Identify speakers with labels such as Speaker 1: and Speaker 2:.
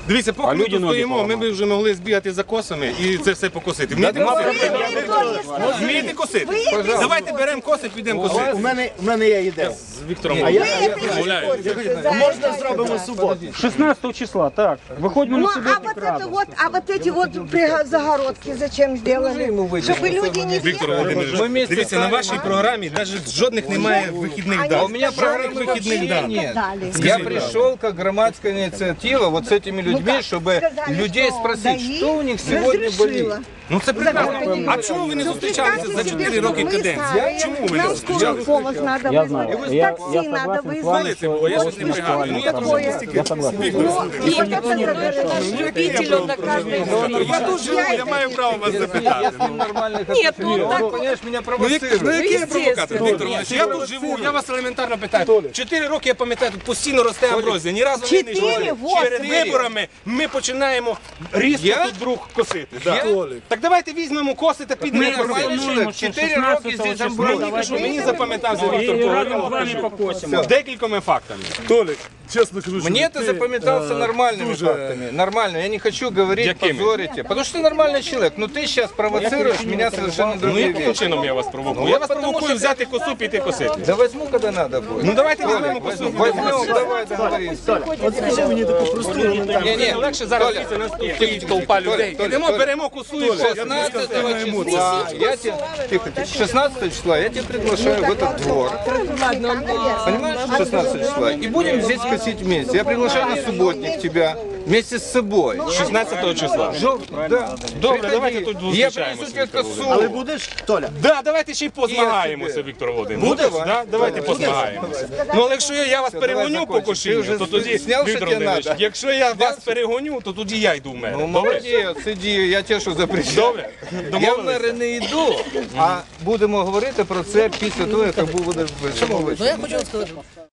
Speaker 1: Дивіться, поки ми тут стоїмо, ми б вже могли збігати за косами і це все покосити. Вмієте косити? Давайте беремо коси, підемо косити.
Speaker 2: У мене є ідея.
Speaker 1: З Віктором
Speaker 2: Можна зробимо суботу.
Speaker 3: 16 числа, так. Выходим на субботник радость.
Speaker 4: А вот эти вот загородки зачем сделали? Чтобы люди не
Speaker 1: Віктор Володимирович, дивіться, на вашій програмі навіть жодних немає вихідних дат.
Speaker 5: У меня программы вообще нет. Я пришел как громадская инициатива вот с этими людьми, чтобы людей спросить, что у них сегодня болит.
Speaker 1: Ну це прекрасно. А чому ви не зустрічалися за 4 роки каденції? Чому ви не зустрічалися?
Speaker 4: помощь надо
Speaker 3: Я знаю.
Speaker 4: вызвать,
Speaker 3: Я
Speaker 4: такси надо
Speaker 3: согласен с вами,
Speaker 4: вызвать.
Speaker 1: Це було, я щось не пригадую. Ну я дуже
Speaker 3: Я согласен.
Speaker 4: И вот это
Speaker 6: Любителю до каждой
Speaker 1: Я тут живу, я маю право вас запитати.
Speaker 6: Нет, ну так
Speaker 5: Понимаешь, меня
Speaker 1: Ну
Speaker 5: провоцируют.
Speaker 1: який я провокатор, Віктор Володимирович? Я тут живу, я вас елементарно питаю. 4 роки, я пам'ятаю, тут постійно росте амброзія, ні разу не
Speaker 4: 4,
Speaker 1: знайшли.
Speaker 4: вот.
Speaker 1: Перед виборами ми починаємо різко тут друг косити. Да. Так давайте візьмемо коси та підемо
Speaker 5: Нормальный
Speaker 1: косити.
Speaker 5: человек, 4 роки здесь амброзия.
Speaker 1: Що мені запам'ятався Віктор
Speaker 3: И разом с
Speaker 1: Володимирович
Speaker 3: вами покосим.
Speaker 1: з декількома фактами.
Speaker 2: Толік, чесно кажу, що
Speaker 5: Мне ты запоминался нормальными фактами. Нормально. Я не хочу говорить,
Speaker 1: Якими?
Speaker 5: позорить тебя. Потому что ты нормальный человек. Но ты сейчас провоцируешь меня совершенно
Speaker 1: Ну
Speaker 5: другие
Speaker 1: яким
Speaker 5: вещи.
Speaker 1: чином я вас провокую? Я вас провокую взяти косу, піти косити.
Speaker 5: Да возьму, когда надо будет.
Speaker 1: Ну давайте візьмемо косу.
Speaker 5: Возьмем, давай договоримся.
Speaker 2: от скажи мені таку просту елементарну.
Speaker 1: Ні, легше зараз дивіться, нас тут стоїть толпа людей. Ідемо, беремо косу і косимо.
Speaker 5: 16 числа, я тебе, тихо, 16 числа я тебя приглашаю в этот двор. Понимаешь, 16 числа. И будем здесь косить вместе. Я приглашаю на субботник тебя вместе с собой.
Speaker 1: 16 числа.
Speaker 5: Да.
Speaker 1: Добре, давайте тут
Speaker 5: Я
Speaker 1: зустрічаємося.
Speaker 5: принесу тебе косу.
Speaker 2: Але будеш, Толя?
Speaker 1: Да, давайте ще й позмагаємося, Віктор Володимирович.
Speaker 5: Буде?
Speaker 1: Да, давайте позмагаємося. Ну, але якщо я вас перегоню по кошінню, то тоді,
Speaker 5: зняв, що
Speaker 1: Віктор
Speaker 5: тебе
Speaker 1: Володимирович,
Speaker 5: надо?
Speaker 1: якщо я вас перегоню, то тоді я йду в мене.
Speaker 5: Ну,
Speaker 1: Добре?
Speaker 5: молодець, иди, я тебе що запрещаю.
Speaker 1: Добре?
Speaker 5: Я в
Speaker 1: Домовились?
Speaker 5: мери не йду, а будемо говорити про це після того, як будеш вишивати.